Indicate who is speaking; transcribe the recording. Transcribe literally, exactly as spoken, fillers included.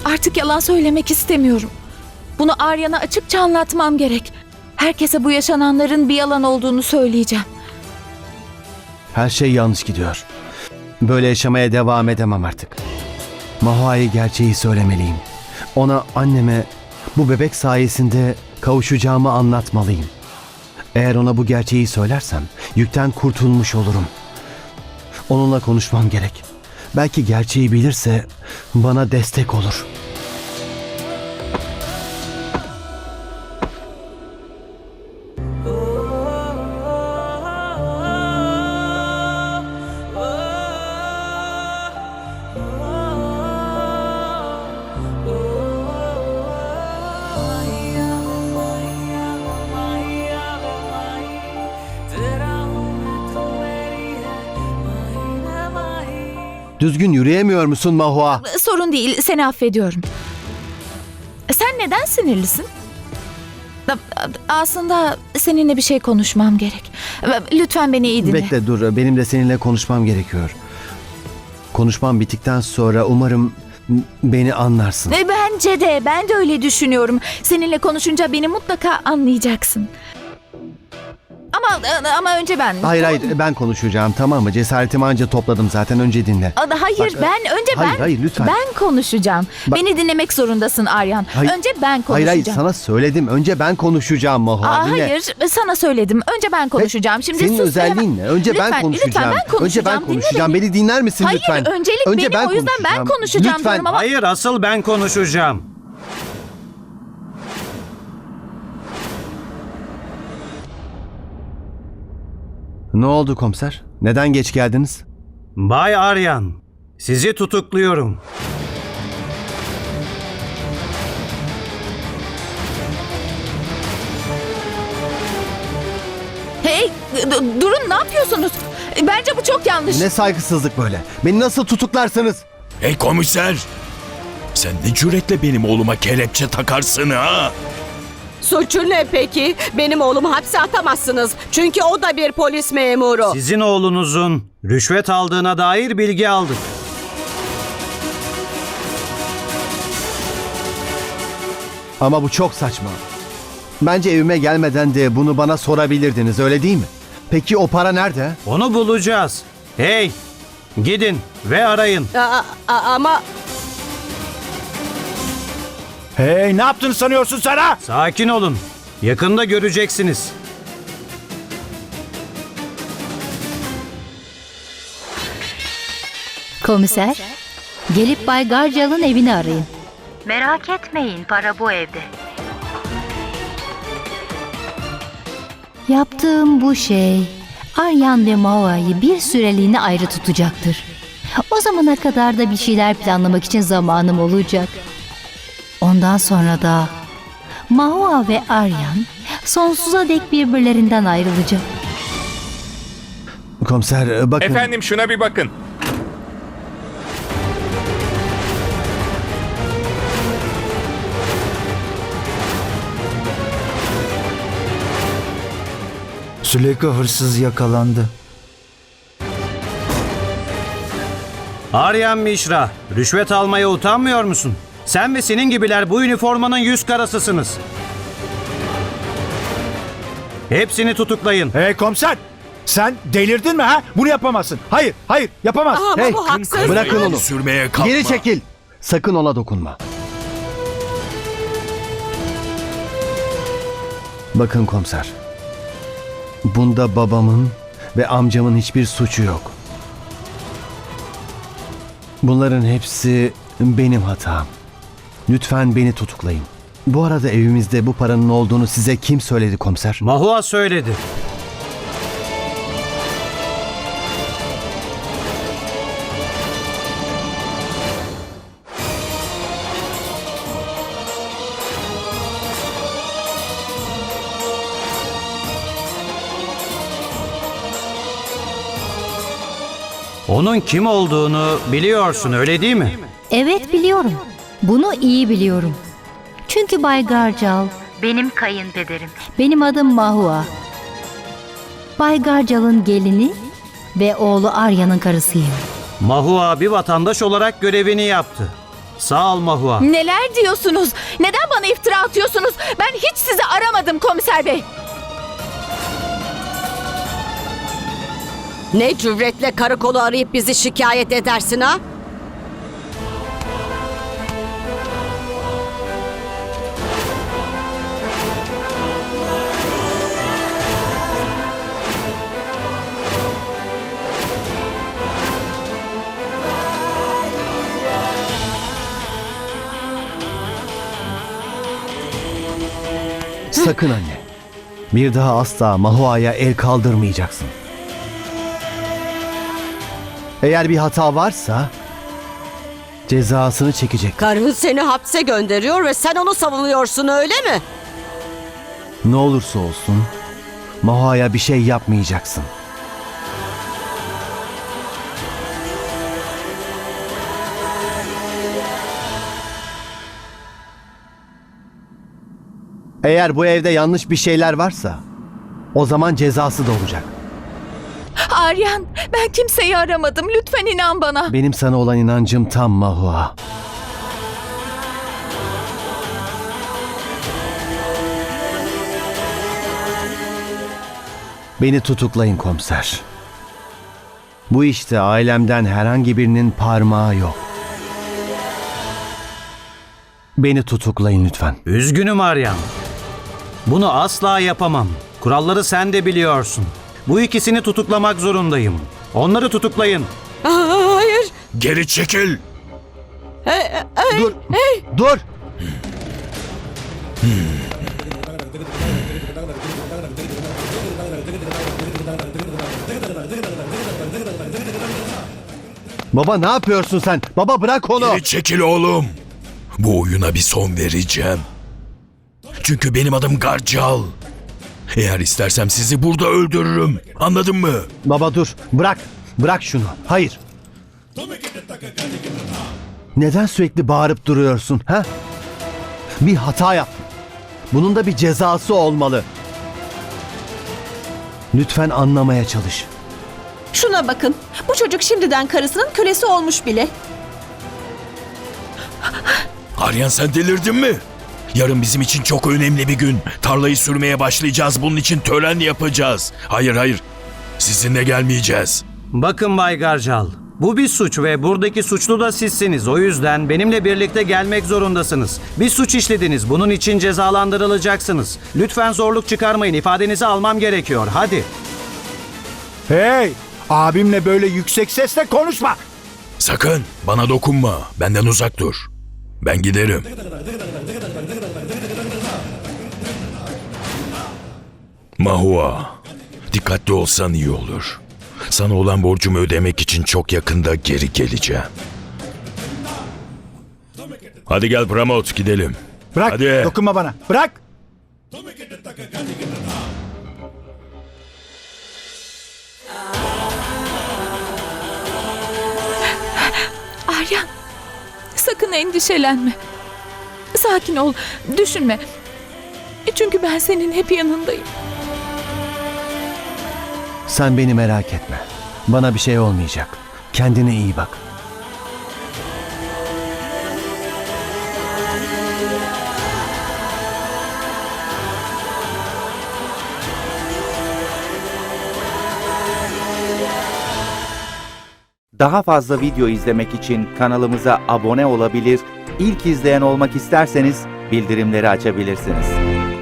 Speaker 1: Artık yalan söylemek istemiyorum. Bunu Aryan'a açıkça anlatmam gerek. Herkese bu yaşananların bir yalan olduğunu söyleyeceğim.
Speaker 2: Her şey yanlış gidiyor. Böyle yaşamaya devam edemem artık. Mahua'ya gerçeği söylemeliyim. Ona, anneme bu bebek sayesinde kavuşacağımı anlatmalıyım. Eğer ona bu gerçeği söylersem yükten kurtulmuş olurum. Onunla konuşmam gerek. Belki gerçeği bilirse bana destek olur. Düzgün yürüyemiyor musun Mahua?
Speaker 1: Sorun değil, seni affediyorum. Sen neden sinirlisin? Aslında seninle bir şey konuşmam gerek. Lütfen beni iyi dinle.
Speaker 2: Bekle dur, benim de seninle konuşmam gerekiyor. Konuşmam bittikten sonra umarım beni anlarsın.
Speaker 1: Bence de, ben de öyle düşünüyorum. Seninle konuşunca beni mutlaka anlayacaksın. Ama ama önce ben.
Speaker 2: Hayır hayır ben konuşacağım, tamam mı? Cesaretimi anca topladım zaten, önce dinle.
Speaker 1: Hayır
Speaker 2: Bak,
Speaker 1: ben önce
Speaker 2: hayır,
Speaker 1: ben
Speaker 2: hayır, lütfen.
Speaker 1: ben konuşacağım.
Speaker 2: Bak,
Speaker 1: Beni dinlemek zorundasın Aryan.
Speaker 2: Hayır,
Speaker 1: önce ben konuşacağım.
Speaker 2: Hayır hayır sana söyledim, önce ben konuşacağım Mahua.
Speaker 1: Aa,
Speaker 2: dinle.
Speaker 1: hayır sana söyledim. Önce ben konuşacağım. Şimdi
Speaker 2: Senin
Speaker 1: sus
Speaker 2: özelliğin ne? Önce
Speaker 1: lütfen,
Speaker 2: ben konuşacağım.
Speaker 1: Lütfen ben konuşacağım.
Speaker 2: Önce ben
Speaker 1: Dinle
Speaker 2: konuşacağım.
Speaker 1: beni.
Speaker 2: Beni dinler misin
Speaker 1: Hayır,
Speaker 2: lütfen?
Speaker 1: öncelik
Speaker 2: önce
Speaker 1: benim, o yüzden ben konuşacağım
Speaker 2: Lütfen.
Speaker 1: diyorum ama-
Speaker 3: Hayır, asıl ben konuşacağım.
Speaker 2: Ne oldu komiser? Neden geç geldiniz?
Speaker 3: Bay Aryan, sizi tutukluyorum.
Speaker 1: Hey d- durun, ne yapıyorsunuz? Bence bu çok yanlış.
Speaker 2: Ne saygısızlık böyle? Beni nasıl tutuklarsınız?
Speaker 4: Hey komiser! Sen ne cüretle benim oğluma kelepçe takarsın ha?
Speaker 5: Suçu ne peki? Benim oğlumu hapse atamazsınız. Çünkü o da bir polis memuru.
Speaker 3: Sizin oğlunuzun rüşvet aldığına dair bilgi aldık.
Speaker 2: Ama bu çok saçma. Bence evime gelmeden de bunu bana sorabilirdiniz, öyle değil mi? Peki o para nerede?
Speaker 3: Onu bulacağız. Hey, gidin ve arayın.
Speaker 5: Aa, a- ama
Speaker 4: Hey, ne yaptın sanıyorsun sen ha?
Speaker 3: Sakin olun. Yakında göreceksiniz.
Speaker 6: Komiser, gelip Bay Garcal'ın evini arayın.
Speaker 7: Merak etmeyin, para bu evde.
Speaker 6: Yaptığım bu şey Aryan ve Mahua'yı bir süreliğine ayrı tutacaktır. O zamana kadar da bir şeyler planlamak için zamanım olacak. Ondan sonra da Mahua ve Aryan sonsuza dek birbirlerinden ayrılacak.
Speaker 2: Komiser bakın.
Speaker 8: Efendim şuna bir bakın.
Speaker 9: Süleyka hırsız yakalandı.
Speaker 3: Aryan Mishra, rüşvet almaya utanmıyor musun? Sen ve senin gibiler bu üniformanın yüz karasısınız. Hepsini tutuklayın.
Speaker 4: Hey komiser! Sen delirdin mi ha? Bunu yapamazsın. Hayır, hayır yapamaz.
Speaker 5: ama
Speaker 2: Hey,
Speaker 5: bu haksız.
Speaker 2: bırakın onu.
Speaker 4: Sürmeye kalkma.
Speaker 2: Geri çekil. Sakın ona dokunma. Bakın komiser. Bunda babamın ve amcamın hiçbir suçu yok. Bunların hepsi benim hatam. Lütfen beni tutuklayın. Bu arada evimizde bu paranın olduğunu size kim söyledi komiser?
Speaker 3: Mahua söyledi. Onun kim olduğunu biliyorsun, öyle değil mi?
Speaker 6: Evet biliyorum. Bunu iyi biliyorum. Çünkü Bay Garcal,
Speaker 7: Benim kayınpederim.
Speaker 6: benim adım Mahua. Bay Garcal'ın gelini ve oğlu Arya'nın karısıyım.
Speaker 3: Mahua bir vatandaş olarak görevini yaptı. Sağ ol Mahua.
Speaker 1: Neler diyorsunuz? Neden bana iftira atıyorsunuz? Ben hiç sizi aramadım komiser bey.
Speaker 5: Ne cüretle karakolu arayıp bizi şikayet edersin ha?
Speaker 2: Sakın anne. Bir daha asla Mahua'ya el kaldırmayacaksın. Eğer bir hata varsa cezasını çekecek.
Speaker 5: Karın seni hapse gönderiyor ve sen onu savunuyorsun, öyle mi?
Speaker 2: Ne olursa olsun Mahua'ya bir şey yapmayacaksın. Eğer bu evde yanlış bir şeyler varsa o zaman cezası da olacak.
Speaker 1: Aryan, ben kimseyi aramadım. Lütfen inan bana.
Speaker 2: Benim sana olan inancım tam Mahua. Beni tutuklayın komiser. Bu işte ailemden herhangi birinin parmağı yok. Beni tutuklayın lütfen.
Speaker 3: Üzgünüm Aryan. Bunu asla yapamam. Kuralları sen de biliyorsun. Bu ikisini tutuklamak zorundayım. Onları tutuklayın.
Speaker 5: Aa, hayır.
Speaker 4: Geri çekil.
Speaker 2: Dur! Dur! Baba ne yapıyorsun sen? Baba bırak onu.
Speaker 4: Geri çekil oğlum. Bu oyuna bir son vereceğim. Çünkü benim adım Garcal. Eğer istersem sizi burada öldürürüm. Anladın mı?
Speaker 2: Baba dur. Bırak. Bırak şunu. Hayır. Neden sürekli bağırıp duruyorsun? Ha? Bir hata yaptın. Bunun da bir cezası olmalı. Lütfen anlamaya çalış.
Speaker 8: Şuna bakın. Bu çocuk şimdiden karısının kölesi olmuş bile.
Speaker 4: Aryan sen delirdin mi? Yarın bizim için çok önemli bir gün. Tarlayı sürmeye başlayacağız. Bunun için tören yapacağız. Hayır hayır. Sizinle gelmeyeceğiz.
Speaker 3: Bakın Bay Garcal. Bu bir suç ve buradaki suçlu da sizsiniz. O yüzden benimle birlikte gelmek zorundasınız. Bir suç işlediniz. Bunun için cezalandırılacaksınız. Lütfen zorluk çıkarmayın. İfadenizi almam gerekiyor. Hadi.
Speaker 9: Hey! Abimle böyle yüksek sesle konuşma.
Speaker 4: Sakın bana dokunma. Benden uzak dur. Ben giderim. Mahua, dikkatli olsan iyi olur. Sana olan borcumu ödemek için çok yakında geri geleceğim. Hadi gel Pramod, gidelim.
Speaker 9: Bırak,
Speaker 4: Hadi.
Speaker 9: dokunma bana. Bırak.
Speaker 1: Aryan, sakın endişelenme. Sakin ol, düşünme. Çünkü ben senin hep yanındayım.
Speaker 2: Sen beni merak etme. Bana bir şey olmayacak. Kendine iyi bak.
Speaker 10: Daha fazla video izlemek için kanalımıza abone olabilir, ilk izleyen olmak isterseniz bildirimleri açabilirsiniz.